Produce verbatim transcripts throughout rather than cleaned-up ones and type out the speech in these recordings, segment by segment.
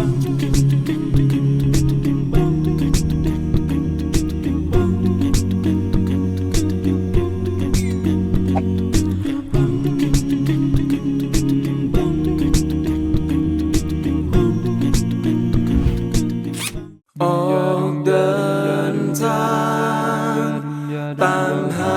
ออกเดินทางตามหา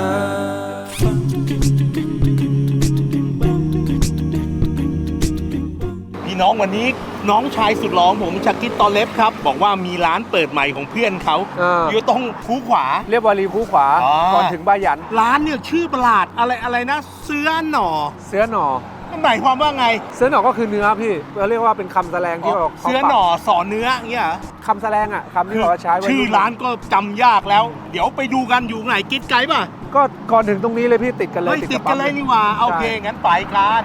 พี่น้องวันนี้น้องชายสุดหล่อผมชักกิตตอเล็บครับบอกว่ามีร้านเปิดใหม่ของเพื่อนเขาอยู่ตรงคูขวาเรียบวารีคูขวาก่อนถึงบ้ายันร้านเนี่ยชื่อประหลาดอะไรอะไรนะเสื้อหน่อเสื้อหน่อหมายความว่าไงเสื้อหน่อก็คือเนื้อพี่เราเรียกว่าเป็นคำแสลงที่เราเสื้อหน่อสอนเนื้อเงี้ยคำแสลงอ่ะคำที่เราใช้ชื่อร้านก็จำยากแล้วเดี๋ยวไปดูกันอยู่ไหนกิ๊ดไกด์ป่ะก็ก่อนถึงตรงนี้เลยพี่ติดกันเลยติดกันเลยนี่ว่าโอเคงั้นไปกัน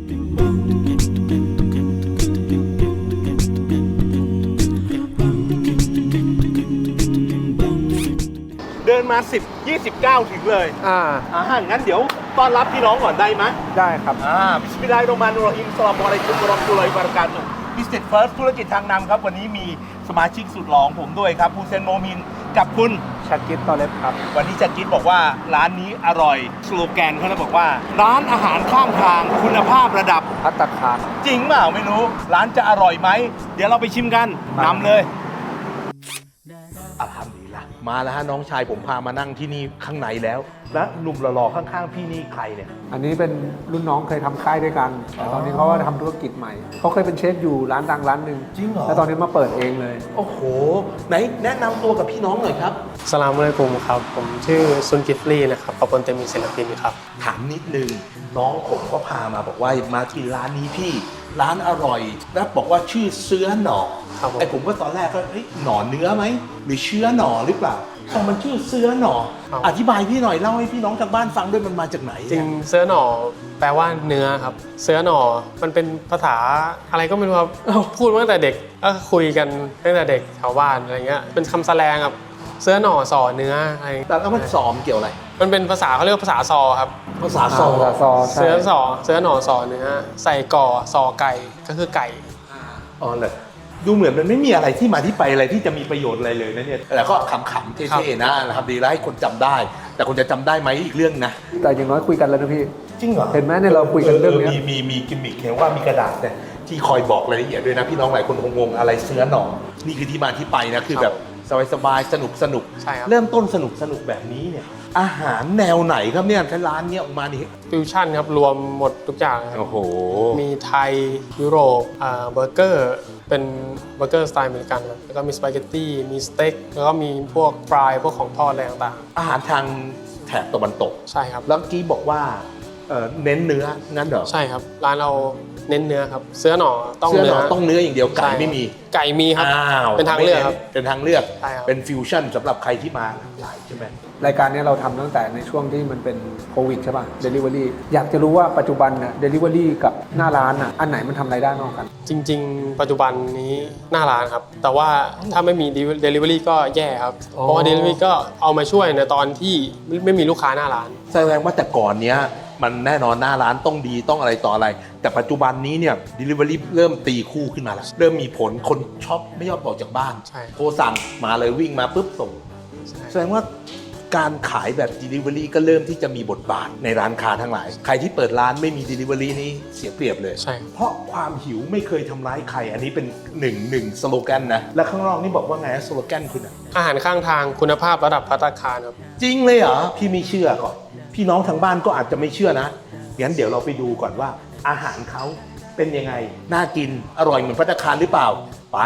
เดินมาสิบ ยี่สิบเก้าถึงเลยอ่าอ่างั้นเดี๋ยวต้อนรับพี่น้องก่อนได้ไหมได้ครับอ่าบิสมิลลาฮิรเราะห์มานิรเราะฮีมอัสสลามุอะลัยกุมวะเราะห์มะตุลลอฮิวะบะเราะกาตุฮ์ Business First ธุรกิจทางนำครับวันนี้มีสมาชิกสุดหล่อของผมด้วยครับฮูเซนโมมินกับคุณชักกิตตอเล็บครับวันนี้ชักกิตบอกว่าร้านนี้อร่อยสโลแกนเขาจะบอกว่าร้านอาหารข้างทางคุณภาพระดับภัตตาคารจริงเปล่าไม่รู้ร้านจะอร่อยไหมเดี๋ยวเราไปชิมกันนำเลยอัลฮัมดุลิลละห์มาแล้วฮะน้องชายผมพามานั่งที่นี่ข้างในแล้วและหนุ่มหล่อๆข้างๆพี่นี่ใครเนี่ยอันนี้เป็นรุ่นน้องเคยทำค่ายด้วยกันแต่ตอนนี้เขาก็ทำธุรกิจใหม่เขาเคยเป็นเชฟอยู่ร้านดังร้านหนึ่งจริงเหรอแล้วตอนนี้มาเปิดเองเลยโอ้โหไหนแนะนำตัวกับพี่น้องหน่อยครับสลามอะลัยกุมครับผมชื่อซุนกิฟลีนะครับขอบคุณเต็มมีศิลปินครับถามนิดนึงน้องผมก็พามาบอกว่ามาที่ร้านนี้พี่ร้านอร่อยแล้วบอกว่าชื่อเสื้อหน่อไอ้ผมก็ตอนแรกก็เฮ้ยหน่อเนื้อไหมหรือเชื้อหน่อหรือเปล่าพอมันชื่อเสื้อหน่ออธิบายพี่หน่อยเล่าให้พี่น้องทางบ้านฟังด้วยมันมาจากไหนจริงเสื้อหน่อแปลว่าเนื้อครับเสื้อหน่อมันเป็นภาษาอะไรก็ไม่รู้ครับพูดมาตั้งแต่เด็กก็คุยกันตั้งแต่เด็กแถวบ้านอะไรเงี้ยเป็นคำแสลงครับเสื้อหน่อสอเนื้ออะไรแต่แล้วมันสอมเกี่ยวอะไรมันเป็นภาษาเขาเรียกภาษาซอครับภาษาซอเสื้อสอเสื้อหน่อสอเนื้อใส่ก่อซอไก่ก็คือไก่อ๋อเลยดูเหมือนมันไม่มีอะไรที่มาที่ไปอะไรที่จะมีประโยชน์อะไรเลยนะเนี่ยแต่ก็ขำๆเท่ๆนะนะครับดีแล้วให้คนจำได้แต่คนจะจำได้ไหมอีกเรื่องนะแต่อย่างน้อยคุยกันแล้วนะพี่จริงเหรอเห็นไหมเนี่ยเราคุยกันเรื่องนี้มีมีมีกิมมิคเห็นว่ามีกระดาษเนี่ยที่คอยบอกรายละเอียดด้วยนะพี่น้องหลายคนงงๆอะไรเสื้อหน่อนี่คือที่มาที่ไปนะคือแบบสบายๆสนุกสนุกเริ่มต้นสนุกสนุกแบบนี้เนี่ยอาหารแนวไหนครับเนี่ยร้านเนี้ยออกมานี่ฟิวชั่นครับรวมหมดทุกอย่างโอ้โหมีไทยยุโรปอ่าเบอร์เกอร์เป็นเบอร์เกอร์สไตล์อเมริกันครับแล้วก็มีสปาเกตตี้มีสเต็กแล้วก็มีพวกฟรายพวกของทอดอะไรต่างๆอาหารทางแถบตะวันตกใช่ครับแล้วเมื่อกี้บอกว่าเน้นเนื้องั้นเหรอใช่ครับร้านเราเน้นเนื้อครับเสื้อหน่อต้องเนื้อต้องเนื้ออย่างเดียวไก่ไม่มีไก่มีครับเป็นทางเลือกครับเป็นทางเลือกเป็นฟิวชั่นสำหรับใครที่มาหลายใช่ไหมรายการนี้เราทำตั้งแต่ในช่วงที่มันเป็นโควิดใช่ป่ะ Delivery อยากจะรู้ว่าปัจจุบันน่ะ Delivery กับหน้าร้านน่ะอันไหนมันทำรายได้มากกันจริงๆปัจจุบันนี้หน้าร้านครับแต่ว่าถ้าไม่มี Delivery ก็แย่ครับเพราะว่า Delivery ก็เอามาช่วยในตอนที่ไม่มีลูกค้าหน้าร้านแสดงว่าแต่ก่อนเนี้ยมันแน่นอนหน้าร้านต้องดีต้องอะไรต่ออะไรแต่ปัจจุบันนี้เนี่ย Delivery เริ่มตีคู่ขึ้นมาแล้วเริ่มมีผลคนช็อปไม่ยอมออกจากบ้านโทรสั่งมาเลยวิ่งมาปุ๊บส่งแสดงว่าการขายแบบ Delivery ก็เริ่มที่จะมีบทบาทในร้านค้าทั้งหลายใครที่เปิดร้านไม่มี Delivery นี้เสียเปรียบเลยเพราะความหิวไม่เคยทำร้ายใครอันนี้เป็นหนึ่งหนึ่งสโลแกนนะและข้างนอกนี่บอกว่าไงสโลแกนคุณอะอาหารข้างทางคุณภาพระดับภัตตาคารครับจริงเลยเหรอพี่ไม่เชื่อก่อนพี่น้องทางบ้านก็อาจจะไม่เชื่อนะงั้นเดี๋ยวเราไปดูก่อนว่าอาหารเขาเป็นยังไงน่ากินอร่อยเหมือนภัตตาคารหรือเปล่าไป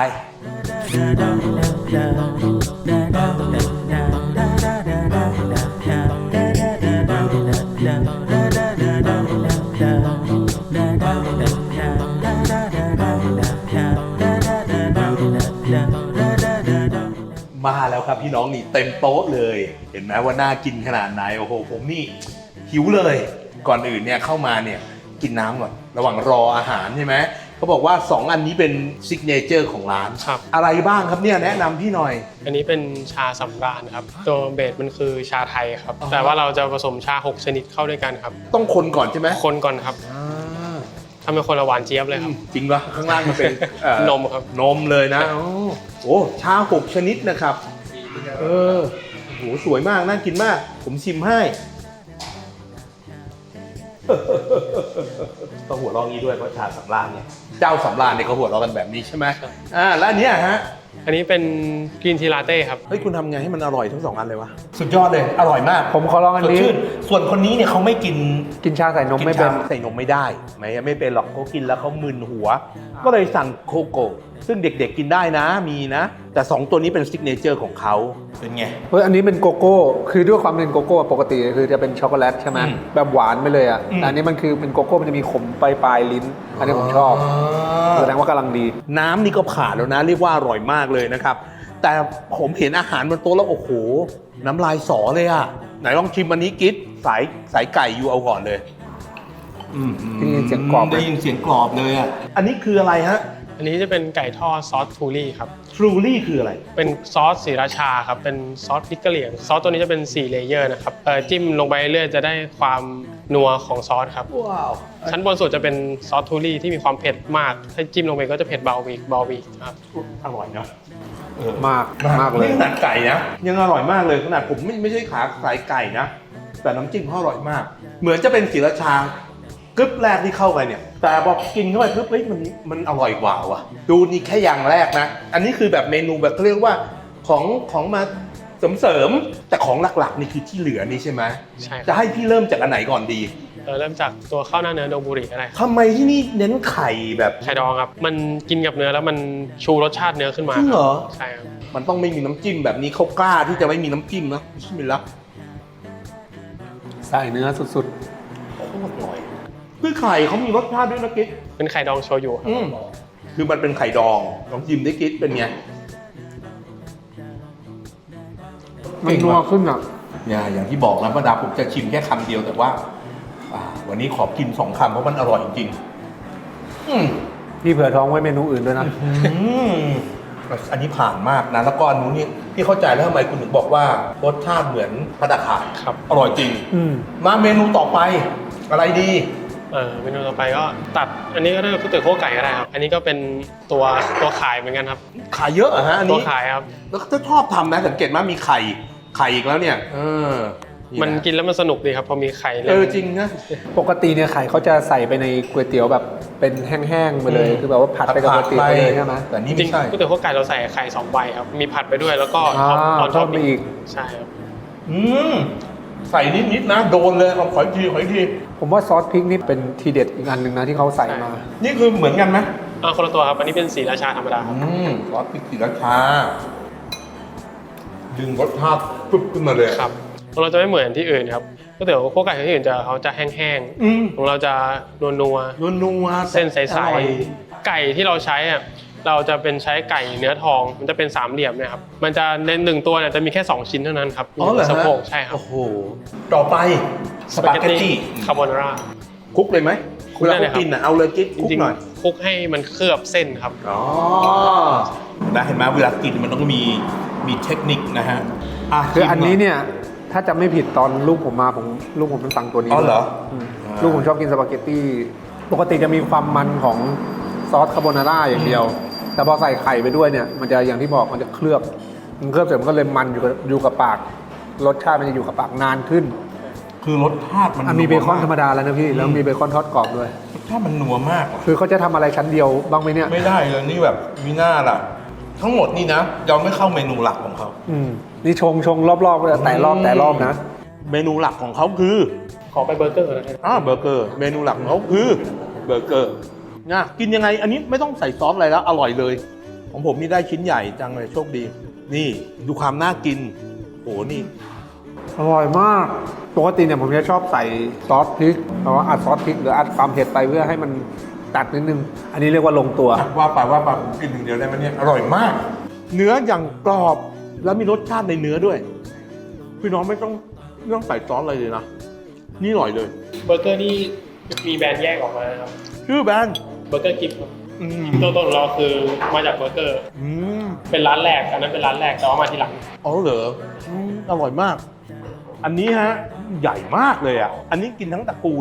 มาแล้วครับพี่น้องนี่เต็มโต๊ะเลยเห็นไหมว่าน่ากินขนาดไหนโอ้โหผมนี่หิวเลยก่อนอื่นเนี่ยเข้ามาเนี่ยกินน้ำก่อนระหว่างรออาหารใช่ไหมเขาบอกว่าสองอันนี้เป็นซิกเนเจอร์ของร้านอะไรบ้างครับเนี่ยแนะนำพี่หน่อยอันนี้เป็นชาสำราญครับตัวเบสมันคือชาไทยครับแต่ว่าเราจะผสมชาหกชนิดเข้าด้วยกันครับต้องคนก่อนใช่ไหมคนก่อนครับทำเป็นคนละหวานเจี๊ยบเลยครับจริงปะข้างล่างมันเป็นเอ่อนมครับนมเลยนะโอ้โอ้ชาหกชนิดนะครับเออโอ้โหสวยมากน่ากินมาก ผมชิมให้ ก็หัวเราะงี้ด้วยเพราะชาสำราญเนี่ยเจ้าสำราญเนี่ยเขาหัวเราะกันแบบนี้ใช่ไหมอ่าแล้วอันเนี้ยฮะอันนี้เป็นกรีนทีลาเต้ครับเฮ้ยคุณทำไงให้มันอร่อยทั้งสองอันเลยวะสุดยอดเลยอร่อยมากผมขอลองอันนี้สดชื่ส่วนคนนี้เนี่ยเขาไม่กินกินชาใส่นมกิไม่นเป็ชาน ใส่นมไม่ได้ไหมไม่เป็นหรอกเขากินแล้วเขามึนหัว ก็เลยสั่งโคโก้ซึ่งเด็กๆกินได้นะมีนะ แต่สองตัวนี้เป็นซิกเนเจอร์ของเขาเป็นไงเฮ้ยอันนี้เป็นโกโก้คือด้วยความเป็นโกโก้ปกติคือจะเป็นช็อกโกแลตใช่ไหมอืมแบบหวานไปเลยอ่ะอืมแต่อันนี้มันคือเป็นโกโก้มันจะมีขมปลายปลายๆลิ้น อันนี้ผมชอบแสดงว่ากำลังดีน้ำนี่ก็ผ่านแล้วนะเรียกว่าอร่อยมากเลยนะครับ แต่ผมเห็นอาหารบนโต๊ะแล้วโอ้โห น้ำลายสอเลยอ่ะไหนลองชิมอันนี้กิ๊ดสายสายไก่อยู่เอาก่อนเลยอืมได้ยินเสียงกรอบไหมได้ยินเสียงกรอบเลยอ่ะอันนี้คืออะไรฮะอันนี้จะเป็นไก่ทอดซอสทูรี่ครับทรูลี่คืออะไรเป็นซอสสีราชาครับ เป็นซอสพริกกะเหรี่ยง ซอสตัวนี้จะเป็นสี่เลเยอร์นะครับเอ่อจิ้มลงไปเรื่อยๆจะได้ความนัวของซอสครับว้าวชั้นบนสุดจะเป็นซอสทูรี่ที่มีความเผ็ดมาก ถ้าจิ้มลงไปก็จะเผ็ดเบาอีกเบาอีกครับอร่อยเนาะเออมากมากเลยนี่ขนาดไก่นะยังอร่อยมากเลยขนาดผมไม่ไม่ใช่ขาสายไก่นะ แต่น้ำจิ้มเขาอร่อยมาก เหมือนจะเป็นศรีราชากึ๊บแรกที่เข้าไปเนี่ย แต่พอกินเข้าไปปุ๊บเฮ้ยมันมันอร่อยกว่าว่ะดูนี่แค่อย่างแรกนะ อันนี้คือแบบเมนูแบบเขาเรียกว่าของของมาเสริมเสริมๆแต่ของหลักๆนี่คือที่เหลือนี่ใช่ไหมใช่คจะรับให้พี่เริ่มจากอันไหนก่อนดีเอ่อเริ่มจากตัวข้าวหน้าเนื้อโดบุริก็ได้ครับทำไมที่นี่เน้นไข่แบบไข่ดองครับ มันกินกับเนื้อแล้วมันชูรสชาติเนื้อขึ้นมาจริงเหรอใช่ครับมันต้องไม่มีน้ำจิ้มแบบนี้เขากล้าที่จะไม่มีน้ำจิ้มนะบิสมิลลาห์ใส่เนื้อสุดโคตรอร่อยคือไข่เขามีรสชาติด้วยนะกิ๊กเป็นไข่ดองโชยุครับอืมคือมันเป็นไข่ดองลองชิมได้กิ๊กเป็นไงๆ มันนัวขึ้นอ่ะเนี่ยอย่างที่บอกนะป้าดาผมจะชิมแค่คำเดียวแต่ว่าอ่า วันนี้ขอกินสองคำเพราะมันอร่อยจริงๆอืมพี่เผื่อท้องไว้เมนูอื่นด้วยนะอืมอันนี้ผ่านมากนะแล้วก็อันนู้นนี่พี่เข้าใจแล้วทำไมคุณถึงบอกว่ารสชาติเหมือนพัตตาคารครับอร่อยจริงอืมมาเมนูต่อไปอะไรดีเออเมนูต่อไปก็ตัด อันนี้ก็ได้ก๋วยเตี๋ยวคั่วไก่ก็ได้ครับ อันนี้ก็เป็นตัวตัวขายเหมือนกันครับขายเยอะเหรอฮะอันตัวนี้ขายครับแล้วก็ชอบทำนะสังเกตไหมมีไข่ไข่อีกแล้วเนี่ย เออมันกินแล้วมันสนุกดีครับพอมีไข่เออจริงนะปกติเนี่ยไข่เขาจะใส่ไปในก๋วยเตี๋ยวแบบเป็นแห้งๆไปเลยอืมคือแบบว่าผัดไปกับก๋วยเตี๋ยวไปเลยใช่ไหมแต่นี่จริไม่งใช่ก๋วยเตี๋ยวคั่วไก่เราใส่ไข่สองใบครับ มีผัดไปด้วยแล้วก็อ่าตอนทอดทอดไปอีกใช่ครับอืมใส่นิดๆนะ โดนเลยเอาขออีกทีขออีกทีผมว่าซอสพริกนี่เป็นทีเด็ดอีกอันหนึ่งนะที่เขาใส่มานี่คือเหมือนกันไหมอ่าคนละตัวครับ อันนี้เป็นสีราชาธรรมดาครับอืมซอสพริกศรีราชาดึงรสชาติปุ๊บขึ้นมาเลยครับของเราจะไม่เหมือนที่อื่นครับก๋วยเตี๋ยวคั่วไก่ที่อื่นจะเขาจะแห้งอืมๆของเราจะนัวนัวนัวๆๆเส้นใสอร่อยๆไก่ที่เราใช้อ่ะเราจะเป็นใช้ไก่เนื้อทอง มันจะเป็นสามเหลี่ยมเนะครับ มันจะในหนึ่งตัวเนี่ยจะมีแค่สองชิ้นเท่านั้นครับอ๋อเหรอสะฮะโพกใช่ครับโอ้โหต่อไปสปาเกตตี้คาโบนาร่าคลุกเลยไหมคลุกเวลาได้เลยเขาครับกินอ่ะเอาเลยกิ๊กจคลุกริงหน่อยๆคลุกให้มันเคลือบเส้นครับอ๋อนะเห็นไหมเวลากินมันต้องมีมีเทคนิคนะฮะะคืออันนี้ชิมหยเนี่ยถ้าจำไม่ผิดตอนลูกผมมาผมลูกผมมันสั่งตัวนี้อ๋อเหรอมอ่าลูกผมชอบกินสปาเกตตี้ปกติจะมีความมันของซอสคาโบนาร่าอย่างเดียว แต่พอใส่ไข่ไปด้วยเนี่ยมันจะอย่างที่บอกมันจะเคลือบมันเคลือบเสร็จมันก็เลยมันอยู่กับอยู่กับปากรสชาติมันจะอยู่กับปากนานขึ้นคือรสชาติมันอันมีเบคอนธรรมดาดาแล้วนะพี่แล้วมีเบคอนทอดกรอบด้วยรสชาติมันนัวมากคือเขาจะทำอะไรชั้นเดียวบ้างไหมเนี่ยไม่ได้เลยนี่แบบมีหน้าล่ะ ทั้งหมดนี่นะยังไม่เข้าเมนูหลักของเขาอืมนี่ชงชงรอบๆเลยแต่รอบแต่รอบนะเมนูหลักของเขาคือขอไปเบอร์เกอร์นะครับอ่าเบอร์เกอร์ เมนูหลักของเขาคือเบอร์เกอร์นะกินยังไง อันนี้ไม่ต้องใส่ซอสอะไรแล้วอร่อยเลย ของผมนี่ได้ชิ้นใหญ่จังเลยโชคดี นี่ดูความน่ากินโหนี่อร่อยมาก ปกติเนี่ยผมจะชอบใส่ซอสพริกเพราะว่าอัดซอสพริกหรืออัดความเผ็ดไปเพื่อให้มันตัดนิดนึง อันนี้เรียกว่าลงตัวว่าไปว่าไปผมกินหนึ่งเดียวได้ไหมเนี่ยอร่อยมาก เนื้ออย่างกรอบแล้วมีรสชาติในเนื้อด้วย พี่น้องไม่ต้องไม่ต้องใส่ซอสอะไรเลยนะนี่อร่อยเลยเบอร์เกอร์นี่มีแบรนด์แยกออกมานะครับชื่อแบรนด์เบอร์เกอร์กิฟต์ครับอืมตัวต้นของเราคือมาจากเบอร์เกอร์อืมเป็นร้านแรกอันนั้นเป็นร้านแรกแต่ว่ามาทีหลังอ๋อเหรออืมอร่อยมาก อันนี้ฮะใหญ่มากเลยอ่ะอันนี้กินทั้งตระกูลนะ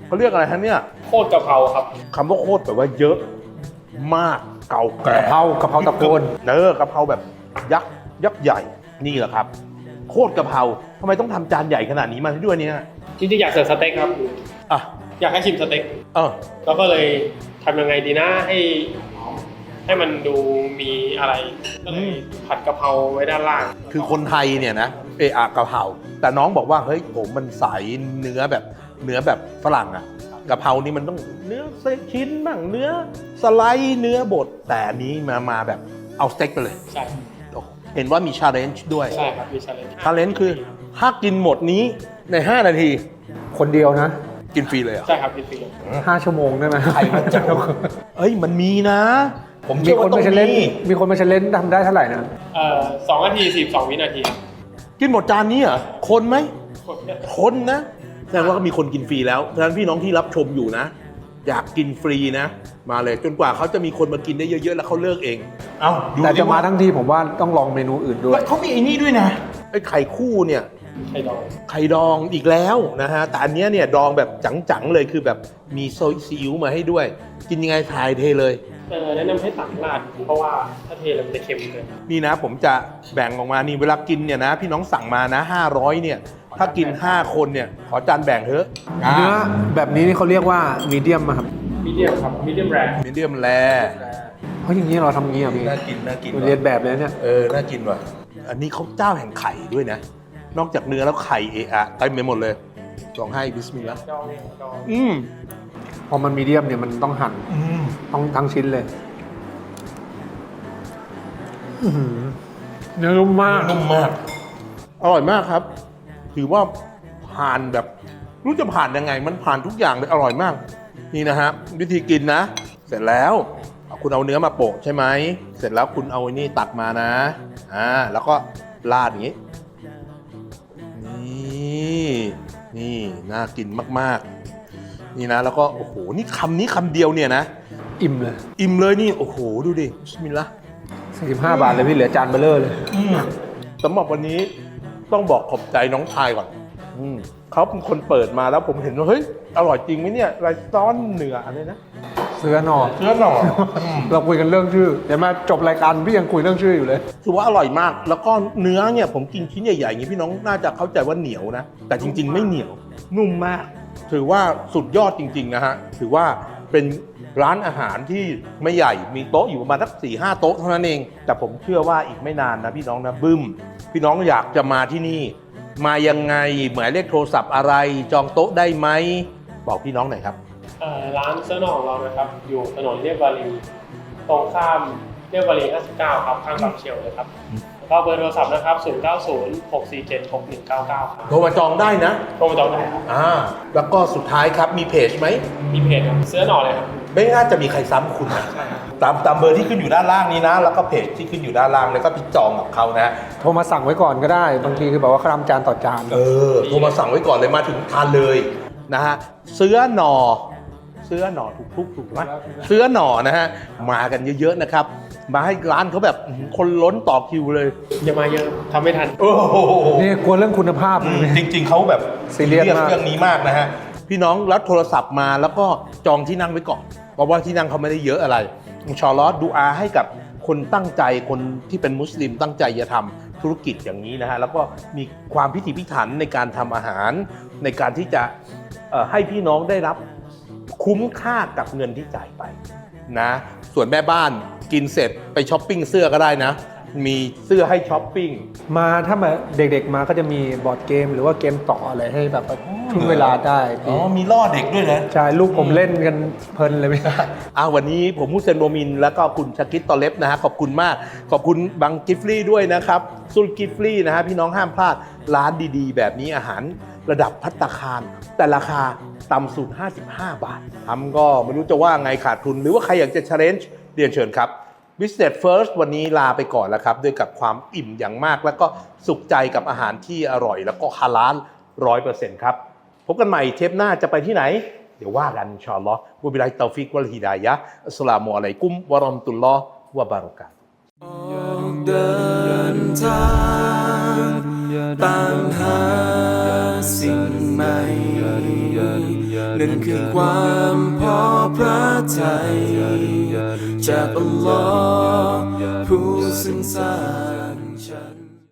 เขาเรียกอะไรฮะเนี่ยโคตรกะเพราครับคำว่าโคตรแปลว่าเยอะมากเก่าแก่กะเพรากะเพราตะโกนเนอกะเพราแบบยักษ์ยักษ์ใหญ่นี่แหละครับ โคตรกะเพราทำไมต้องทำจานใหญ่ขนาดนี้มาให้ด้วยเนี่ยจริงๆอยากเสิร์ฟสเต็กครับอ่ะอยากให้ชิมสเต็กเออแล้วก็เลยทำยังไงดีนะให้ให้มันดูมีอะไรก็เลยผัดกะเพราไว้ด้านล่างคือคนไทยเนี่ยนะเออะกะเพราแต่น้องบอกว่าเฮ้ยผมมันใสเนื้อแบบเนื้อแบบฝรั่งอะกะเพรานี่มันต้องเนื้อชิ้นบ้างเนื้อสไลด์เนื้อบดแต่อันนี้มามาแบบเอาสเต็กไปเลยใช่เห็นว่ามีชาเลนจ์ด้วยใช่ครับมีชาเลนจ์ชาเลนจ์คือถ้ากินหมดนี้ในห้านาทีคนเดียวนะกินฟรีเลยเหรอ่ะใช่ครับมีฟรีห้าชั่วโมงได้ไหมใครมันจะเอ้ยมันมีนะ ผมมีเชื่อคนว่าต้อมาง เชลเลนมีมีคนมาเชลเลนทำได้เท่าไหร่นะเอ่อสองนาทีสิบสองวินาทีกินหมดจานนี้เหรอคนไหมกดเนี่ยคนนะแสดงว่าก็มีคนกินฟรีแล้วฉะนั้นพี่น้องที่รับชมอยู่นะ อยากกินฟรีนะ มาเลยจนกว่าเขาจะมีคนมากินได้เยอะๆแล้วเขาเลิกเอง เอาดูแต่ดิจะมาว่าทั้งทีผมว่าต้องลองเมนูอื่นด้วยเขามีไอ้นี่ด้วยนะไอ้ไข่คู่เนี่ยไข่ดองไข่ดองอีกแล้วนะฮะแต่อันเนี้ยเนี่ยดองแบบจังๆเลยคือแบบมีโซยซีอิ๊วมาให้ด้วย กินยังไงทายเทเลยเออแนะนำให้ตักราดเพราะว่าถ้าเทแล้วมันจะเค็มเกินนี่นะผมจะแบ่งออกมานี่เวลากินเนี่ยนะ พี่น้องสั่งมานะห้าร้อยเนี่ยถ้ากินห้าคนเนี่ยขอจานแบ่งเถอะเนื้อแบบนี้นี่เขาเรียกว่ามีเดียมครับมีเดียมครับมีเดียมแรร์มีเดียมแรเพราะอย่างนี้เราทำงี้อ่ะพี่น่ากินน่ากินเรียนแบบเลยเนี่ยเออน่ากินว่ะอันนี้เขาเจ้าแห่งไข่ด้วยนะ นอกจากเนื้อแล้วไข่เอะอะเต็มไปหมดเลยลองให้บิสมิลลาห์ดองเองดองอืมพอมันมีเดียมเนี่ยมันต้องหั่นอืมต้องทั้งชิ้นเลยอื้อหือเนื้อนุ่มมากนุ่มมากอร่อยมากครับ ถือว่าผ่านแบบรู้จะผ่านยังไง มันผ่านทุกอย่างเลยอร่อยมาก นี่นะฮะวิธีกินนะ เสร็จแล้วคุณเอาเนื้อมาโปะใช่ไหมเสร็จแล้วคุณเอาไอ้นี่ตักมานะอ่าแล้วก็ราดอย่างนี้ นี่นี่น่ากินมากๆ นี่นะแล้วก็โอ้โหนี่คำนี้คำเดียวเนี่ยนะอิ่มเลยอิ่มเลยนี่โอ้โหดูดิบิสมิลลาห์สี่สิบห้าบาทเลยพี่เหลือจานเบลเลอร์เลยสำหรับวันนี้ต้องบอกขอบใจน้องชายก่อนอืมเขาเป็นคนเปิดมาแล้วผมเห็นว่าเฮ้ยอร่อยจริงไหมเนี่ยไรซ้อนเหนืออะไรนะเสื้อหนอเนื้อหน่อเราคุยกันเรื่องชื่อเดี๋ยวมาจบรายการพี่ยังคุยเรื่องชื่ออยู่เลยถือว่าอร่อยมาก แล้วก็เนื้อเนี่ยผมกินชิ้นใหญ่ๆอย่างนี้พี่น้องน่าจะเข้าใจว่าเหนียวนะ แต่จริง ๆ ไม่เหนียว นุ่มมาก ถือว่าสุดยอดจริง ๆ นะฮะ ถือว่าเป็นร้านอาหารที่ไม่ใหญ่ มีโต๊ะอยู่ประมาณสักสี่ห้าโต๊ะเท่านั้นเอง แต่ผมเชื่อว่าอีกไม่นานนะพี่น้องนะบึ้ม พี่น้องอยากจะมาที่นี่ มายังไงหมายเลขโทรศัพท์อะไร จองโต๊ะได้ไหม บอกพี่น้องหน่อยครับเอ่อร้านเสื้อหนอของเรานะครับอยู่ถนนเรียบวารีตรงข้ามเรียบวารีห้าสิบเก้าครับข้างกับเชลเลยครับแล้วก็เบอร์โทรศัพท์นะครับศูนย์ เก้า ศูนย์ หก สี่ เจ็ด หก หนึ่ง เก้า เก้าครับโทรมาจองได้นะโทรมาจองได้ครับอ่า แล้วก็สุดท้ายครับมีเพจไหมมีเพจครับเสื้อหนอเลยครับไม่น่าจะมีใครซ้ำคุณนะตามตามเบอร์ที่ขึ้นอยู่ด้านล่างนี้นะ แล้วก็เพจที่ขึ้นอยู่ด้านล่างแล้วก็พี่จองกับเขานะโทรมาสั่งไว้ก่อนก็ได้ บางทีคือแบบว่าครำจานต่อจานเออโทรมาสั่งไว้ก่อนเลยมาถึงทานเลยนะฮะเสื้อหนอเสื้อหนอถูกทุกถูกไหมเสื้อหนอนะฮะมากันเยอะๆนะครับ มาให้ร้านเขาแบบอื้อหือคนล้นต่อคิวเลยอย่ามาเยอะทำไม่ทันโอ้โหนี่กลัวเรื่องคุณภาพอืมจริง ๆเขาแบบซีเรียสมากเรื่องนี้มากนะฮะพี่น้องรับโทรศัพท์มาแล้วก็จองที่นั่งไว้ก่อนเพราะว่าที่นั่งเขาไม่ได้เยอะอะไรอินชาอัลลอฮ์ดูอาให้กับคนตั้งใจคนที่เป็นมุสลิมตั้งใจจะทำธุรกิจอย่างนี้นะฮะแล้วก็มีความพิถีพิถันในการทำอาหาร ในการที่จะเอ่อให้พี่น้องได้รับคุ้มค่ากับเงินที่จ่ายไปนะส่วนแม่บ้านกินเสร็จไปช้อปปิ้งเสื้อก็ได้นะ มีเสื้อให้ช้อปปิ้งมาถ้ามาเด็กๆมาก็จะมีบอร์ดเกม หรือว่าเกมต่ออะไรให้แบบทุ่นเวลาได้อ๋อมีล่อเด็กด้วยนะใช่ลูกผมเล่นกันเพลินเลยพี่อ่าวันนี้ผมมุสเซนโมมินแล้วก็คุณชากิตตอเล็บนะฮะขอบคุณมาก ขอบคุณบังกิฟลี่ด้วยนะครับซุลกิฟลี่นะฮะพี่น้องห้ามพลาดร้านดีๆ แบบนี้อาหารระดับภัตตาคาร แต่ราคาต่ำสุดห้าสิบห้าบาททำก็ไม่รู้จะว่าไงขาดทุน หรือว่าใครอยากจะ challenge เรียนเชิญครับ Business First วันนี้ลาไปก่อนแล้วครับด้วยกับความอิ่มอย่างมากแล้วก็สุขใจกับอาหารที่อร่อย แล้วก็ฮาลาลร้อยเปอร์เซ็นต์ครับพบกันใหม่เทปหน้าจะไปที่ไหน เดี๋ยวว่ากันอินชาอัลลอฮ์วะบิลลาฮิตตอฟิกวัลฮิดายะฮ์อัสสลามุอะลัยกุมวะเราะห์มะตุลลอฮ์วะบะเราะกาตุฮ์ออกเดินทางตามหาสิ่งใหม่นั่นคือความพอพระทัยจากอัลลอฮ์ผู้ซึ่งสร้างฉัน